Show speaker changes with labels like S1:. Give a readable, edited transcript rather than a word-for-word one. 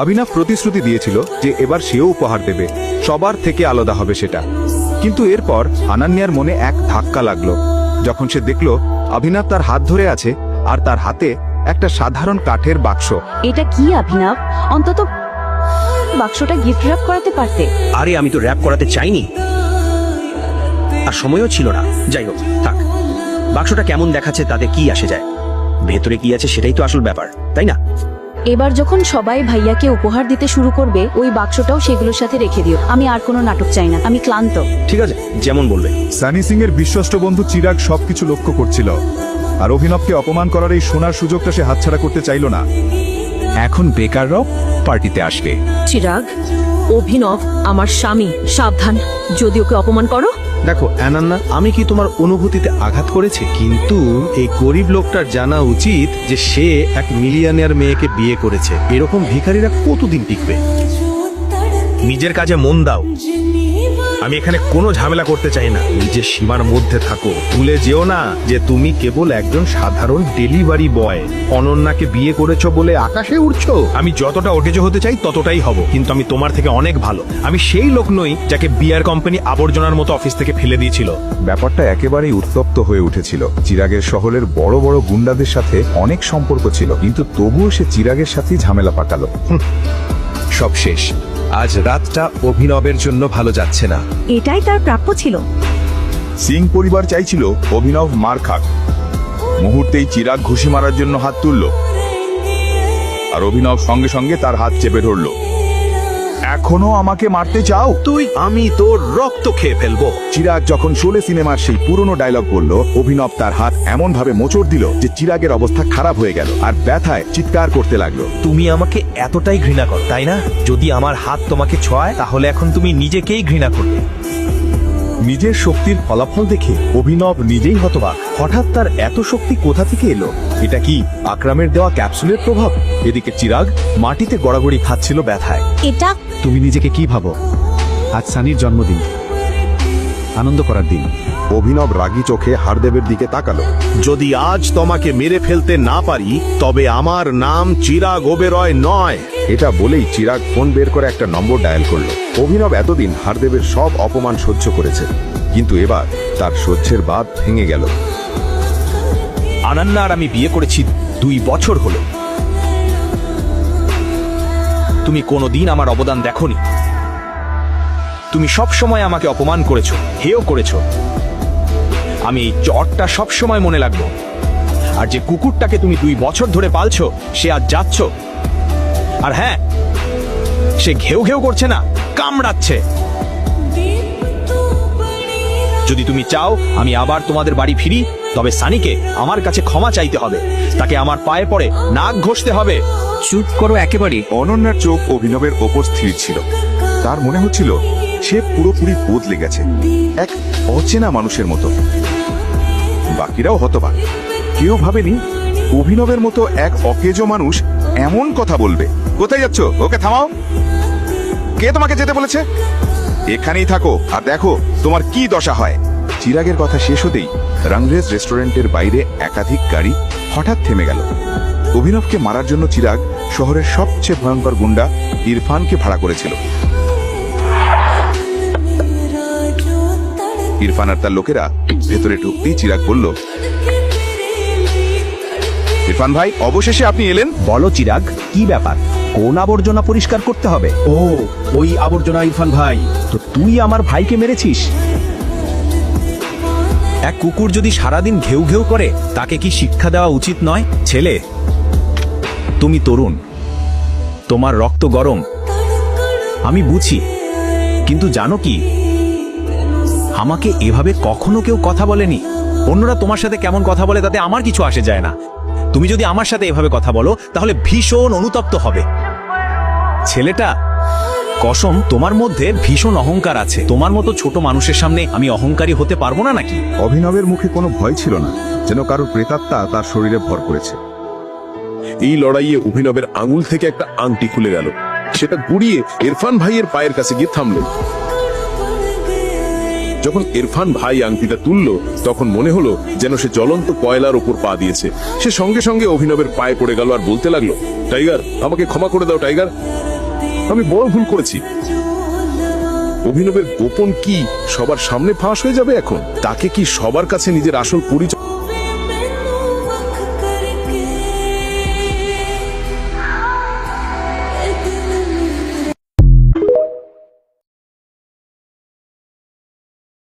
S1: অভিনব প্রতিশ্রুতি দিয়েছিল যে এবার সেও উপহার দেবে, সবার থেকে আলাদা হবে সেটা। কিন্তু এরপর আনান্যার মনে এক ধাক্কা লাগলো যখন সে দেখলো অভিনব তার হাত ধরে আছে আর তার হাতে একটা সাধারণ কাঠের বাক্স।
S2: এটা কি অভিনব? অন্তত বাক্সটা গিফট র্যাপ করাতে পারতে।
S3: আরে আমি তো র্যাপ করাতে চাইনি, আর সময়ও ছিল না। যাই হোক, থাক, বাক্সটা কেমন দেখাচ্ছে তাতে কি আসে যায়, ভেতরে কি আছে সেটাই তো আসল ব্যাপার, তাই না?
S2: এবার যখন সবাই ভাইয়াকে উপহার দিতে শুরু করবে, ওই বাক্সটাও সেগুলোর সাথে রেখে দিও। আমি আর কোনো নাটক চাই না, আমি ক্লান্ত।
S3: ঠিক আছে, যেমন বলবে।
S1: সানি সিং এর বিশ্বস্ত বন্ধু চিরাগ সবকিছু লক্ষ্য করছিল, আর অভিনবকে অপমান করার এই সোনার সুযোগটা সে হাতছাড়া করতে চাইল না। এখন বেকাররাও পার্টিতে আসবে।
S4: চিরাগ, অভিনব আমার স্বামী, সাবধান যদি ওকে অপমান করো।
S5: দেখো অ্যানান্না, আমি কি তোমার অনুভূতিতে আঘাত করেছি? কিন্তু এই গরিব লোকটার জানা উচিত যে সে এক মিলিয়নিয়ার মেয়েকে বিয়ে করেছে। এরকম ভিখারিরা কতদিন টিকবে?
S3: নিজের কাজে মন দাও, আমি এখানে কোনো ঝামেলা করতে চাই না।
S5: নিজের সীমার মধ্যে থাকো। ভুলে যেও না যে তুমি কেবল একজন সাধারণ ডেলিভারি বয়। অনন্যাকে বিয়ে করেছো বলে আকাশে উড়ছো?
S3: আমি যতটা ওটেজো হতে চাই ততটাই হব, কিন্তু আমি তোমার থেকে অনেক ভালো। আমি সেই লোক নই যাকে বিয়ার কোম্পানি আবর্জনার মতো অফিস থেকে ফেলে দিয়েছিল।
S1: ব্যাপারটা একেবারেই উত্তপ্ত হয়ে উঠেছিল। চিরাগের শহরের বড় বড় গুন্ডাদের সাথে অনেক সম্পর্ক ছিল, কিন্তু তবুও সে চিরাগের সাথেই ঝামেলা পাকালো।
S6: সব শেষ। আজ রাতটা অভিনবের জন্য ভালো যাচ্ছে না।
S4: এটাই তার প্রাপ্য ছিল।
S1: সিং পরিবার চাইছিল অভিনব মার খাক। মুহূর্তেই চিরাগ ঘুষি মারার জন্য হাত তুলল, আর অভিনব সঙ্গে সঙ্গে তার হাত চেপে ধরল। এখনো আমাকে মারতে চাও?
S3: আমি তোর রক্ত খেয়ে ফেলবো।
S1: চিরাগ যখন শোলে সিনেমার সেই পুরনো ডায়লগ বলল, অভিনব তার হাত এমন ভাবে মোচড় দিল যে চিরাগের অবস্থা খারাপ হয়ে গেল, আর ব্যথায় চিৎকার করতে লাগলো।
S3: তুমি আমাকে এতটাই ঘৃণা করো, তাই না? যদি আমার হাত তোমাকে ছোঁয়ায় তাহলে এখন তুমি নিজেকেই ঘৃণা করবে।
S1: নিজের শক্তির ফলাফল দেখে অভিনব নিজেই হতবাক। হঠাৎ তার এত শক্তি কোথা থেকে এলো? এটা কি আকরামের দেওয়া ক্যাপসুলের প্রভাব? এদিকে চিরাগ মাটিতে গড়াগড়ি খাচ্ছিল ব্যথায়।
S4: এটা
S1: তুমি নিজেকে কি ভাবো? আজ সানির জন্মদিন, আনন্দ করার দিন। অভিনব রাগী চোখে হারদেবের দিকে তাকালো।
S5: যদি আজ তোমাকে মেরে ফেলতে না পারি তবে আমার নাম চিরাগ ওবেরয় নয়।
S1: এটা বলেই চিরাগ ফোন বের করে একটা নম্বর ডায়াল করলো। অভিনব এতদিন হারদেবের সব অপমান সহ্য করেছে, কিন্তু এবার তার সহ্যের বাঁধ ভেঙে গেল।
S3: আনান্না আর আমি বিয়ে করেছি 2 বছর হলো। তুমি কোনোদিন আমার অবদান দেখোনি। তুমি সব সময় আমাকে অপমান করেছো, হেয় করেছো। আমি এই চটটা সব সময় মনে রাখবো। আর যে কুকুরটাকে তুমি 2 বছর ধরে পালছো সে আজ যাচ্ছ, আর হ্যাঁ, সে ঘেউ ঘেউ করছে না, কামড়াচ্ছে। যদি তুমি চাও আমি আবার তোমাদের বাড়ি ফিরি, তবে সানিকে আমার কাছে ক্ষমা চাইতে হবে, তাকে আমার পায়ে পড়ে নাক ঘষতে হবে।
S6: চুপ করো একেবারে।
S1: অনন্যার চোখ অভিনবের ওপর স্থির ছিল। তার মনে হচ্ছিল সে পুরোপুরি বদলে গেছে, এক অচেনা মানুষের মতো। বাকিরাও হতবাক। কেউ ভাবেনি অভিনবের মতো এক অকেজো মানুষ এমন কথা বলবে। কোথায় যাচ্ছ? ওকে থামাও। কে তোমাকে যেতে বলেছে? এখানেই থাকো আর দেখো তোমার কি দশা হয়। চিরাগের কথা শেষ হতেই রংরেজ রেস্টুরেন্টের বাইরে একাধিক গাড়ি হঠাৎ থেমে গেল। অভিনবকে মারার জন্য চিরাগ শহরের সবচেয়ে ভয়ঙ্কর গুন্ডা ইরফানকে ভাড়া করেছিল। ইরফান আর তার লোকেরা ভেতরে ঢুকতেই চিরাগ বলল, ইরফান ভাই, অবশেষে আপনি এলেন।
S3: বলো চিরাগ, কি ব্যাপার? কোন আবর্জনা পরিষ্কার করতে হবে? ও, ওই আবর্জনা। ইরফান ভাই, তো তুই আমার ভাইকে মেরেছিস? এক কুকুর যদি সারাদিন ঘেউ ঘেউ করে তাকে কি শিক্ষা দেওয়া উচিত নয়? ছেলে, তুমি তরুণ, তোমার রক্ত গরম, আমি বুঝি, কিন্তু জানো কি, আমাকে এভাবে কখনো কেউ কথা বলেনি। অন্যরা তোমার সাথে কেমন কথা বলে তাতে আমার কিছু আসে যায় না। তুমি যদি আমার সাথে এভাবে কথা বলো তাহলে ভীষণ অনুতপ্ত হবে। ছেলেটা, কসম, তোমার মধ্যে ভীষণ অহংকার আছে। তোমার মতো ছোট মানুষের সামনে আমি অহংকারী হতে পারবো না নাকি?
S1: অভিনবের মুখে কোনো ভয় ছিল না, যেন কারোর প্রেতাত্মা তার শরীরে ভর করেছে।
S7: এই লড়াইয়ে অভিনবের আঙুল থেকে একটা আংটি খুলে গেল। সেটা গুড়িয়ে ইরফান ভাইয়ের পায়ের কাছে গিয়ে থামল। যখন ইরফান ভাই আংটিটা তুলল তখন মনে হলো যেন সে জ্বলন্ত কয়লার উপর পা দিয়েছে। সে সঙ্গে সঙ্গে অভিনবের পায়ে পড়ে গেল আর বলতে লাগলো, টাইগার, আমাকে ক্ষমা করে দাও টাইগার। আমি বড় ভুল করেছি। অভিনবের গোপন কি সবার সামনে ফাঁস হয়ে যাবে এখন? তাকে কি সবার কাছে নিজের আসল পরিচয়